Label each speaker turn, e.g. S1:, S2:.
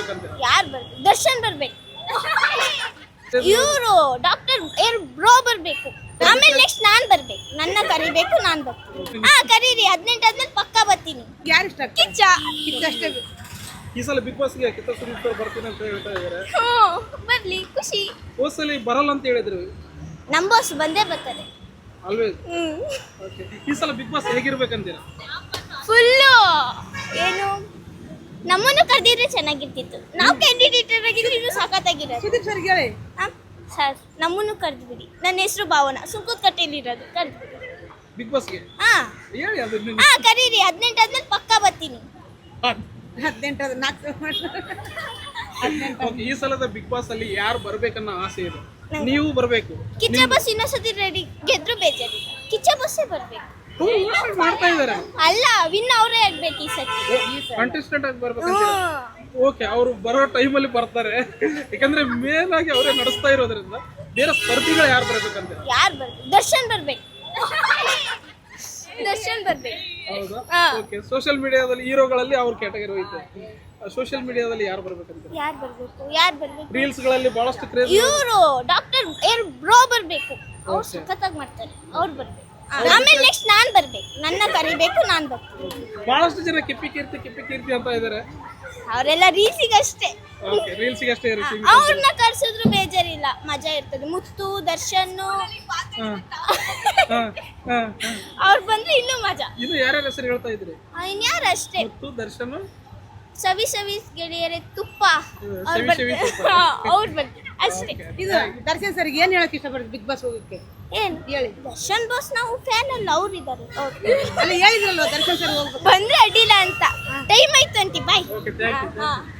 S1: ಬರ್ಬೇಕಂತ?
S2: ಯಾರು ಬರ್ಬೇಕು? ದರ್ಶನ್ ಬರ್ಬೇಕು. ಇವರು ಡಾಕ್ಟರ್ ಬ್ರೋ ಬರ್ಬೇಕು. ಆಮೇಲೆ ನೆಕ್ಸ್ಟ್ ನಾನ್ ಬರ್ಬೇಕು. ನನ್ನ ಕರಿಬೇಕು, ನಾನ್ ಬರ್ತೀನಿ. ಕರೀರಿ. 18 ಆದ್ಮೇಲೆ ಪಕ್ಕಾ ಬರ್ತೀನಿ.
S3: ಯಾರು ಇಷ್ಟ?
S2: ಕಿಚ್ಚ
S3: ಅಷ್ಟೇ.
S1: ಈ ಸಲ ಬಿಗ್ ಬಾಸ್ಗೆ ಕಿತ್ತ ಸುದೀಪ್ ಅವ್ರು ಬರ್ತೀನಿ ಅಂತ ಹೇಳ್ತಾ ಇದಾರೆ.
S2: ಬರ್ಲಿ, ಖುಷಿ.
S1: ಹೋದ ಸಲ ಬರಲ್ಲ ಅಂತ ಹೇಳಿದ್ರು.
S2: ನಮ್ ಬಾಸ್ ಬಂದೇ ಬರ್ತಾರೆ.
S1: ಆಲ್ವೇಸ್. ಓಕೆ. ಈ ಸಲ ಬಿಗ್ ಬಾಸ್ ಹೇಗಿರ್ಬೇಕಂತೀರಾ?
S2: ಫುಲ್ಲು ಏನು ನಮ್ಮನ್ನು ಕರೆದಿದ್ರೆ ಚೆನ್ನಾಗಿರ್ತಿತ್ತು. ನಾವು ಕ್ಯಾಂಡಿಡೇಟರ್ ಆಗಿದ್ರೆ ಇನ್ನೂ ಸಾಕತ್ತಾಗಿರೋದು.
S3: ಸುದೀಪ್ ಸರ್ ಹೇಳಿ.
S2: ಸರ್ ನಮ್ಮನ್ನು ಕರೆದ್ಬಿಡಿ. ನನ್ನ ಹೆಸರು ಭಾವನಾ, ಸುಂಕದ ಕಟ್ಟೆಯಲ್ಲಿರೋದು. ಕರೆದ್ಬಿಡಿ
S1: ಬಿಗ್ ಬಾಸ್ಗೆ ಹೇಳಿ ಅದನ್ನ.
S2: ಕರೀರಿ. 18 ಆದ್ಮೇಲೆ ಪಕ್ಕಾ ಬರ್ತೀನಿ.
S3: 18
S1: ಓಕೆ. ಈ ಸಲದ ಬಿಗ್ ಬಾಸ್ ಅಲ್ಲಿ ಯಾರು ಬರ್ಬೇಕನ್ನೋ ಆಸೆ ಇದೆ? ನೀವು ಬರ್ಬೇಕು.
S2: ಕಿಚ್ಚ ಬಸ್ ಇನ್ನೊಂದ್ಸತಿ ರೆಡಿ. ಗೆದ್ರು ಬೇಜಾರಿಲ್ಲ. ಕಿಚ್ಚ ಬಸ್ಸೇ ಬರ್ಬೇಕು.
S1: ಮಾಡ್ತಾ ಇದಾರೆ.
S2: ಅಲ್ಲ, ವಿನ್ ಅವರೇ ಆಗ್ಬೇಕು ಈ ಸತಿ.
S1: ಕಂಟೆಸ್ಟೆಂಟ್ ಆಗಿ ಬರ್ಬೇಕಂತ. ಓಕೆ. ಅವರು ಬರೋ ಟೈಮಲ್ಲಿ ಬರ್ತಾರೆ. ಯಾಕಂದ್ರೆ ಮೇನ್ ಆಗಿ ಅವರೇ ನಡೆಸ್ತಾ ಇರೋದ್ರಿಂದ ಬೇರೆ ಸ್ಪರ್ಧಿಗಳು ಯಾರು ಬರ್ಬೇಕಂತ?
S2: ಯಾರು ಬರ್ಬೇಕು? ದರ್ಶನ್ ಬರ್ಬೇಕು. ದರ್ಶನ್ ಬರ್ಬೇಕು.
S1: ಹೌದಾ? ಓಕೆ. ಸೋಷಿಯಲ್ ಮೀಡಿಯಾದಲ್ಲಿ ಹೀರೋಗಳಲ್ಲಿ ಅವ್ರ ಕ್ಯಾಟಗರಿ ಹೋಯ್ತು. ಸೋಷಿಯಲ್ ಮೀಡಿಯಾದಲ್ಲಿ ಯಾರು ಬರ್ಬೇಕಂತ?
S2: ಯಾರು ಬರ್ಬೇಕು?
S1: ರೀಲ್ಸ್ ಗಳಲ್ಲಿ ಬಹಳಷ್ಟು ಕ್ರೇಜ್.
S2: ಇವರು ಡಾಕ್ಟರ್ ಬ್ರೋ ಬರ್ಬೇಕು. ಅವ್ರು ಸಖತ್ತಾಗಿ ಮಾಡ್ತಾರೆ. ಅವ್ರು ಬರ್ಬೇಕು. ಆಮೇಲೆ ನೆಕ್ಸ್ಟ್ ನಾನ್ ಬರ್ಬೇಕು. ನನ್ನ ಕರಿಬೇಕು, ನಾನ್ ಬರ್ತೀನಿ.
S1: ಬಹಳಷ್ಟು ಜನ ಕಿಪ್ಪಿ ಕೀರ್ತಿ ಅಂತ ಇದಾರೆ.
S2: ಅವರೆಲ್ಲ ರೀಲ್ಸಿಗಷ್ಟೇ.
S1: ಓಕೆ. ರೀಲ್ಸ್ಗೆ ಅಷ್ಟೇ ಇರುತ್ತೆ.
S2: ಅವ್ರನ್ನ ಕರ್ಸಿದ್ರು ಬೇಜಾರಿಲ್ಲ, ಮಜಾ ಇರ್ತದೆ. ಮುತ್ತು, ದರ್ಶನ್ ಅವ್ರು ಬಂದ್ರೆ ಇನ್ನೂ ಮಜಾ.
S1: ಇನ್ನು ಯಾರ್ಯಾರ ಹೆಸರು ಹೇಳ್ತಾ ಇದ್ರಿ?
S2: ಇನ್ಯಾರು ಅಷ್ಟೇ.
S1: ಮುತ್ತು, ದರ್ಶನ್,
S2: ಸವಿ ಗೆಳೆಯರೆ, ತುಪ್ಪ.
S1: ಸವಿ ತುಪ್ಪ.
S2: ಅವ್ರು ಬರ್ತಾರೆ ಅಷ್ಟೇ.
S3: ಇದು ದರ್ಶನ್ ಸರ್ ಏನ್ ಹೇಳಕ್ ಇಷ್ಟಪಡ್ತೀವಿ ಬಿಗ್ ಬಾಸ್ ಹೋಗಕ್ಕೆ?
S2: ಏನ್
S3: ಹೇಳಿ.
S2: ದರ್ಶನ್ ಬಾಸ್ ನಾವು ಫ್ಯಾನ್ ಅಲ್ಲ, ಅವ್ರು ಇದ್ದಾರೆ.
S3: ಅಲ್ಲ ಹೇಳಿದ್ರಲ್ವ ದರ್ಶನ್ ಸರ್ ಹೋಗ್ಬೇಕು
S2: ಬಂದ್ರೆ ಅಡ್ಡಿಲ್ಲ ಅಂತ. ಟೈಮ್ ಆಯ್ತು ಅಂತಿ. ಬಾಯ್.
S1: ಓಕೆ. Thank you.